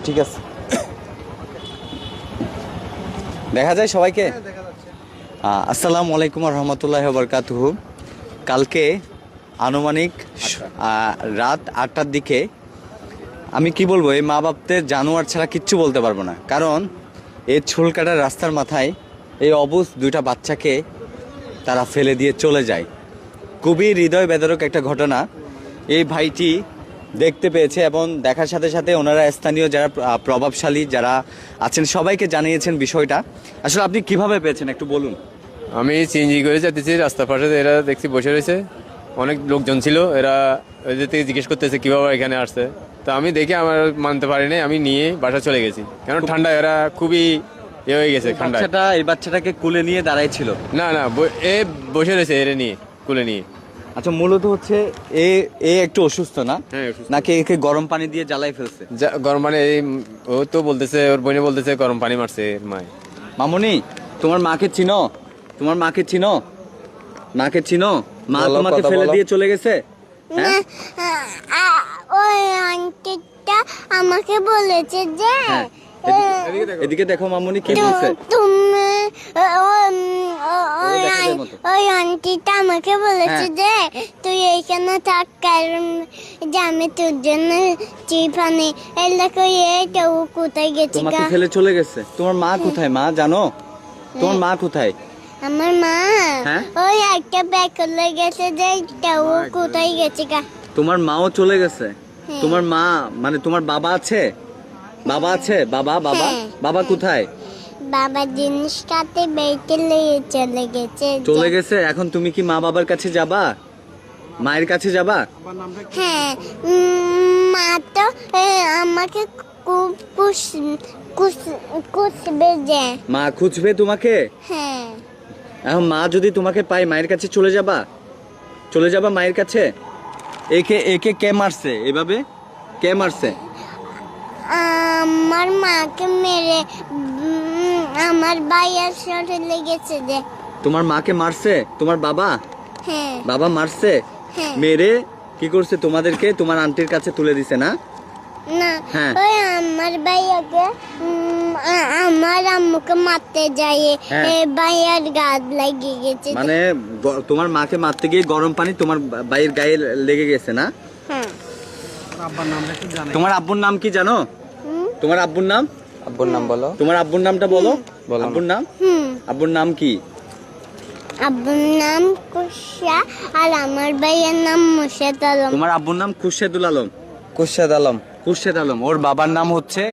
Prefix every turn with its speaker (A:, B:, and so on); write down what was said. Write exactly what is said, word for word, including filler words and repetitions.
A: ঠিক আছে, দেখা যায় সবাইকে। আসসালামু আলাইকুম রহমতুল্লাহ বরকাতুহু। কালকে আনুমানিক রাত আটটার দিকে আমি কি বলবো, এই মা বাপদের জানোয়ার ছাড়া কিচ্ছু বলতে পারবো না। কারণ এই চুল কাটার রাস্তার মাথায় এই অবুঝ দুইটা বাচ্চাকে তারা ফেলে দিয়ে চলে যায়। খুবই হৃদয় বেদরক একটা ঘটনা। এই ভাইটি দেখতে পেয়েছে এবং দেখার সাথে সাথে ওনারা স্থানীয় যারা প্রভাবশালী যারা আছেন সবাইকে জানিয়েছেন বিষয়টা। আসলে আপনি কিভাবে পেয়েছেন একটু বলুন।
B: আমি সিএনজি করে যেতেছি, রাস্তার পাশে এরা দেখছি বসে রয়েছে, অনেক লোকজন ছিল। এরা ওদের থেকে জিজ্ঞেস করতেছে কীভাবে এখানে আসছে। তো আমি দেখে আমার মানতে পারিনি, আমি নিয়ে বাসা চলে গেছি। কারণ ঠান্ডা, এরা খুবই এ হয়ে গেছে ঠান্ডা।
A: বাচ্চাটা এই বাচ্চাটাকে কুলে নিয়ে দাঁড়াই ছিল?
B: না না, এ বসে রয়েছে এরা নিয়ে, কুলে নিয়ে।
A: আচ্ছা, মূলত হচ্ছে এ এ একটু অসুস্থ না?
B: হ্যাঁ,
A: নাকি একে গরম পানি দিয়ে জ্বালাই ফেলছে?
B: গরম পানি, ও তো বলতেছে, ওর বোনে বলতেছে গরম পানি মারছে এর মায়।
A: মামুনি, তোমার মাকে চিনো? তোমার মাকে চিনো? মাকে চিনো? মা তোমাকে ফেলে দিয়ে চলে গেছে? হ্যাঁ,
C: ওই আন্টিটা আমাকে বলেছে যে
A: এদিকে দেখো মামুনি কি বলছে।
C: তুমি ওই আন্টিটা আমাকে বলেছে যে তুই এইখানে থাক, কারণ যে আমি তোর জন্য চিপানি এলাকা এটা ও কোথায় গেছে?
A: তোমাকে ফেলে চলে গেছে। তোমার মা কোথায় মা জানো? তোমার মা কোথায়?
C: আমার মা ওই একটা ব্যাগ করে গেছে যে ও কোথায় গেছে গা।
A: তোমার মাও চলে গেছে? তোমার মা মানে তোমার বাবা আছে? বাবা আছে? বাবা বাবা বাবা কোথায়?
C: বাবা জিনিসটাতে বেঁচে নিয়ে চলে গেছে।
A: চলে গেছে। এখন তুমি কি মা বাবার কাছে যাবা? মায়ের কাছে যাবা?
C: হ্যাঁ, মা তো আমাকে খুব খুঁজবে যে।
A: মা খুঁজবে তোমাকে?
C: হ্যাঁ।
A: এখন মা যদি তোমাকে পায় মায়ের কাছে চলে যাবা? চলে যাবা মায়ের কাছে? একে একে কে মারছে এভাবে? কে মারছে?
C: আমার মাকে মেরে আমার ভাইয়ের সাথে লেগেছে যে।
A: তোমার মাকে মারছে তোমার বাবা?
C: হ্যাঁ।
A: বাবা মারছে?
C: হ্যাঁ।
A: মেরে কি করছে? তোমাদেরকে তোমার আন্টির কাছে তুলে দিছে না?
C: না,
A: হ্যাঁ।
C: ওই আমার ভাইয়াকে আমার আম্মুকে মারতে যায়, ভাইয়ার গায়ে লেগে গেছে।
A: মানে তোমার মাকে মারতে গিয়ে গরম পানি তোমার ভাইয়ের গায়ে লেগে গেছে না?
C: হ্যাঁ।
A: তোমার আব্বুর নাম কি জানো? তোমার আব্বুর নাম?
B: আব্বুর নাম বলো।
A: তোমার আব্বুর নামটা বলো। আব্বুর নাম? আব্বুর নাম কি?
C: আব্বুর নাম কুশা আর আমার ভাইয়ের নাম মুর্শেদ আলম।
A: তোমার আব্বুর নাম খুরশেদুল আলম?
B: কুরশেদ আলম।
A: খুরশেদ আলম। ওর বাবার নাম হচ্ছে